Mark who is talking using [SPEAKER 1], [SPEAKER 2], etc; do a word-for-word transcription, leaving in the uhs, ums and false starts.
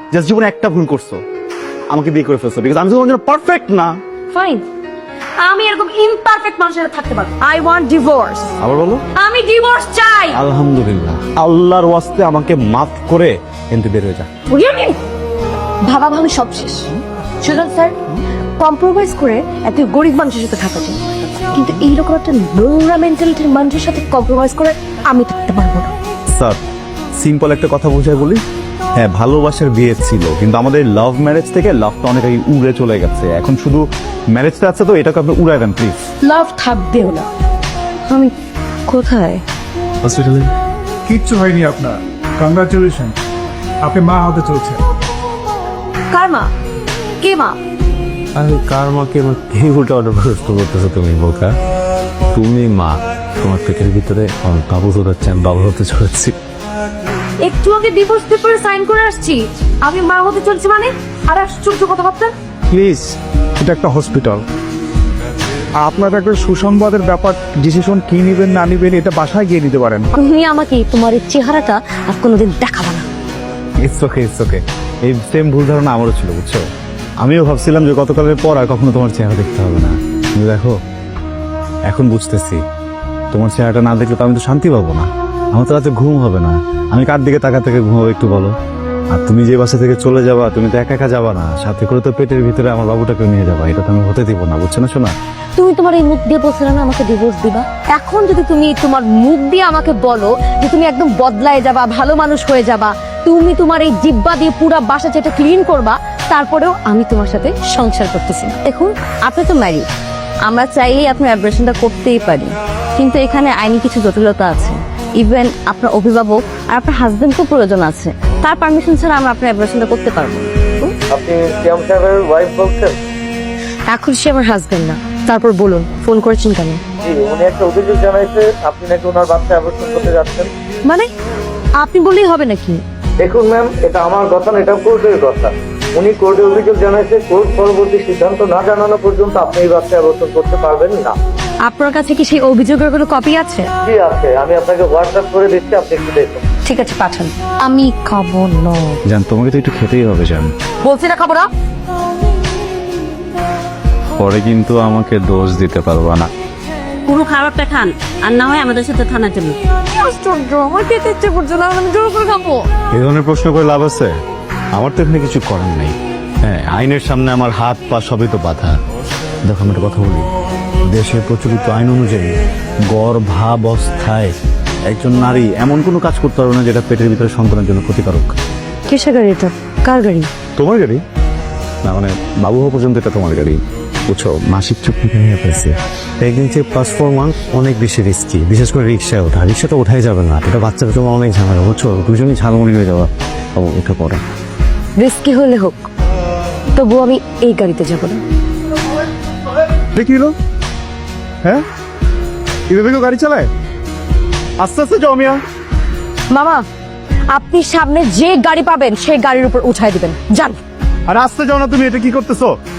[SPEAKER 1] Just জীবনে একটা ভুল করছো, আমাকে বিয়ে করে ফেলছো, বিকজ আমি তো তোমার জন্য পারফেক্ট না।
[SPEAKER 2] ফাইন, আমি এরকম ইমপারফেক্ট মানুষের সাথে থাকতে পারবো। I want divorce.
[SPEAKER 1] আবার বলো।
[SPEAKER 2] আমি ডিভোর্স চাই।
[SPEAKER 1] আলহামদুলিল্লাহ, আল্লাহর ওয়াস্তে আমাকে মাফ করে এনতে বের হয়ে যা।
[SPEAKER 2] ভাবা ভাবি সব শেষ। সুজন স্যার, কম্প্রোমাইজ করে এত গরিব মানুষের সাথে থাকা যায়, কিন্তু এইরকম একটা নোংরা মেন্টালিটির মানুষের সাথে কম্প্রোমাইজ করে আমি থাকতে পারবো না।
[SPEAKER 1] স্যার, সিম্পল একটা কথা বোঝায় বলি, হ্যাঁ ভালোবাসার বিয়ে ছিল, কিন্তু আমাদের লাভ ম্যারেজ থেকে লাভটা অনেক আগে উড়ে চলে গেছে। এখন শুধু ম্যারেজটা আছে, তো এটাকে আপনি উড়ায় দেন প্লিজ।
[SPEAKER 2] লাভ থাকবেও না। আমি কোথায়?
[SPEAKER 1] হসপিটালে।
[SPEAKER 3] কিচ্ছু হয়নি আপনার, কংগ্রাচুলেশন, আপনি মা হতে চলছে।
[SPEAKER 2] কার মা? কে মা?
[SPEAKER 4] আরে কার মাকে এই উল্টা অর্ডার প্রশ্ন করতেছো তুমি বোকা? তুমি মা, তোমার পেটের ভিতরে আমার বাবু হচ্ছে, আমি বাবু হতে চলেছি।
[SPEAKER 2] একটু আগে ডিভোর্স পেপারে সাইন করে আসছি, আমি মা হতে চলছি মানে? আর আশ্চর্য কথাবার্তা।
[SPEAKER 3] প্লিজ, এটা একটা হসপিটাল, আপনার একটা সুসংবাদের ব্যাপার। ডিসিশন কি নিবেন না নিবেন এটা বাসায় গিয়ে নিতে পারেন।
[SPEAKER 2] তুমি আমাকে তোমার এই চেহারাটা আর কোনোদিন দেখাবা না।
[SPEAKER 1] It's okay, it's okay. এই সেম ভুল ধারণা আমারও ছিল, বুঝছো? আমিও ভাবছিলাম যে গতকালের পর আর কখনো তোমার চেহারা দেখতে হবে না, কিন্তু দেখো এখন বুঝতেছি, তোমার চেহারাটা না দেখলে তো আমি তো শান্তি পাবো না, আমার তো রাতে ঘুম হবে না। আমি কার দিকে তাকা থেকে ঘুমাবো একটু বলো? আর তুমি যে বাসা থেকে চলে যাবা, তুমি তো একা একা যাবা না, সাথে করে তো পেটের ভিতরে আমার বাবুটাকে নিয়ে যাবা, এটা তো আমি হতে দিব না, বুঝছো না শোনা?
[SPEAKER 2] তুমি তোমার এই মুখ দিয়ে বলছিলে না আমাকে ডিভোর্স দিবা, এখন যদি তুমি তোমার মুখ দিয়ে আমাকে বলো যে তুমি একদম বদলায় যাবা, ভালো মানুষ হয়ে যাবা, তুমি তোমার এই জিব্বা দিয়ে পুরা বাসা যেটা ক্লিন করবা, তারপরেও আমি তোমার সাথে সংসার করতেছি না। দেখুন, আপনি তো ম্যারিড, আমরা চাইলেই আপনার অ্যাব্রেশনটা করতেই পারি, কিন্তু এখানে আইনি কিছু জটিলতা আছে। ইভেন আপনার অভিভাবক আর আপনার হাজবেন্ডকেও প্রয়োজন আছে, তার পারমিশন ছাড়া আমরা আপনার অ্যাব্রেশনটা করতে পারবো না।
[SPEAKER 5] আপনি সিয়াম সাহেবের ওয়াইফ বলছেন?
[SPEAKER 2] এখন সে আমার হাজবেন্ড না। তারপর বলুন, ফোন করেছেন কেন?
[SPEAKER 5] জি, উনি একটা অভিযোগ জানাইছে আপনি নাকি ওনার বাচ্চা অ্যাবর্শন করতে যাচ্ছেন।
[SPEAKER 2] মানে আপনি বললেই হবে নাকি?
[SPEAKER 5] দেখুন ম্যাম, এটা আমার কথা না, এটা কোর্টের কথা। উনি কোর্টে অভিযোগ জানাইছে, কোর্ট পরবর্তী সিদ্ধান্ত না জানানো পর্যন্ত আপনি এই বাচ্চা অ্যাবর্শন করতে পারবেন না।
[SPEAKER 2] আপনার কাছে কি সেই অভিযোগের কোনো কপি আছে?
[SPEAKER 5] জি আছে, আমি আপনাকে হোয়াটসঅ্যাপ করে দিচ্ছি, আপনি একটু দেখুন।
[SPEAKER 2] ঠিক আছে, পাঠান। আমি খাবো না।
[SPEAKER 1] জান, তোমাকে তো একটু খেতেই হবে জান।
[SPEAKER 2] বলছি না খাবো না।
[SPEAKER 1] পরে কিন্তু আমাকে দোষ দিতে পারবা না।
[SPEAKER 6] পুরো খাবারটা খান, আর না হয় আমাদের সাথে থানায় চলুন।
[SPEAKER 2] আশ্চর্য, আমার খেতে ইচ্ছে করছে না, আমি জোর করে খাবো।
[SPEAKER 1] এই ধরনের প্রশ্ন করে লাভ আছে? আমার তো এখানে কিছু করার নেই। হ্যাঁ, আইনের সামনে আমার হাত পা সবই তো বাধা। দেখো, আমি একটা কথা বলি, দেশের প্রচলিত আইন অনুযায়ী গর্ভাবস্থায় একজন নারী এমন কোনো কাজ করতে পারবে না যেটা পেটের ভিতরে সন্তানের জন্য ক্ষতিকারক।
[SPEAKER 2] কিসের গাড়ি এটা? কার গাড়ি?
[SPEAKER 1] তোমার গাড়ি না, মানে বাবু হওয়া পর্যন্ত এটা তোমার গাড়ি, বুঝছো? মাসিক চুক্তি নিয়ে পেয়েছে। প্রেগনেন্সি প্লাস ফোর মান্থ অনেক বেশি রিস্কি, বিশেষ করে রিক্সায় ওঠা। রিক্সা তো ওঠাই যাবে না, এটা বাচ্চার জন্য অনেক ঝামেলা, বুঝছো? দুজনই ঝালমুড়ি হয়ে যাওয়া। ও উঠে পড়ে।
[SPEAKER 2] রিস্কি হলে হোক, তবু আমি এই গাড়িতে যাবো না।
[SPEAKER 3] দেখি হলো, হ্যাঁ এভাবে কেউ গাড়ি চালায়? আস্তে আস্তে যাও মিয়া।
[SPEAKER 2] মামা, আপনি সামনে যে গাড়ি পাবেন সেই গাড়ির উপর উঠাই দিবেন, যান।
[SPEAKER 3] আর আস্তে যাও না, তুমি এটা কি করতেছো?